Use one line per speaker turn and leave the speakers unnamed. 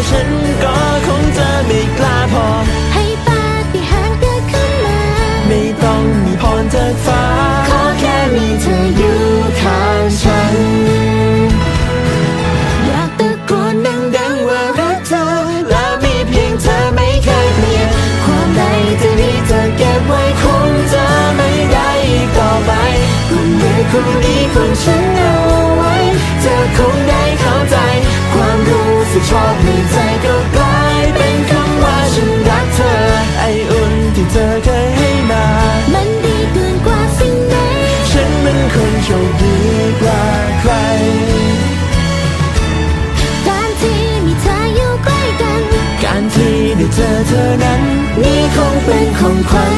ฉันก็คงจะไม่กล้าพอ
ให้ปาฏิหาริย์เกิดขึ้นมา
ไม่ต้องมีพรจากฟ้า
ขอแค่มีเธออยู่ข้างฉันอยากตะโกนดังๆว่ารักเธอและมีเพียงเธอไม่เคยเปลี่ยนความใดที่นี้เธอเก็บไว้คงจะไม่ได้อีกต่อไปกุมมือคู่นี้ของฉันเอาไว้เธอคงได้เข้าใจความรู้สึกชอบในใจก็กลายเป็นคำว่าฉันรักเธอ
ไออุ่นที่เธอเคยให้มา
มันดีเกินกว่าสิ่งใด
ฉันมันคนโชคดีกว่าใคร
การที่มีเธออยู่ใกล้กัน
การที่ได้เจอเธอนั้น
นี่คงเป็นของขวัญ